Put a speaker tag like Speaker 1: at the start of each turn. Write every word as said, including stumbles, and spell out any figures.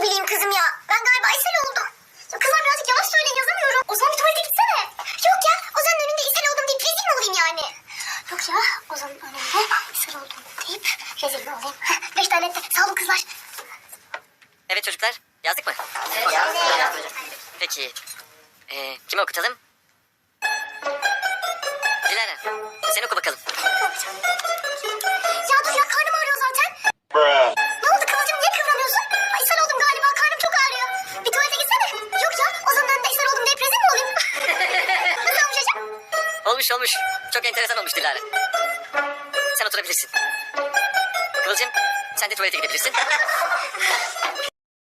Speaker 1: bileyim kızım ya. Ben galiba ishal oldum. Ya kızlar birazcık yavaş söyleyin, yazamıyorum. O zaman bir tuvalete gitsene. Yok ya, Ozan'ın önünde ishal oldum deyip rezil mi olayım yani? Yok ya, Ozan'ın önünde ishal oldum deyip rezil mi olayım? Heh, beş tane etti. Sağ olun kızlar.
Speaker 2: Evet çocuklar, yazdık mı?
Speaker 1: Evet, yazdık.
Speaker 2: Peki, ee, kimi okutalım? Dilara, sen oku bakalım.
Speaker 1: Ya dur ya, karnım ağrıyor zaten. Ne oldu Kıvılcım, niye kıvranıyorsun? Ay ishal oldum galiba, karnım çok ağrıyor. Bir tuvalete gitsene. Yok ya, Ozan'ın önünde ishal oldum deyip rezil mi olayım? Nasıl olmuş hocam?
Speaker 2: Olmuş olmuş, çok enteresan olmuş Dilara. Sen oturabilirsin. Kıvılcım, sen de tuvalete gidebilirsin.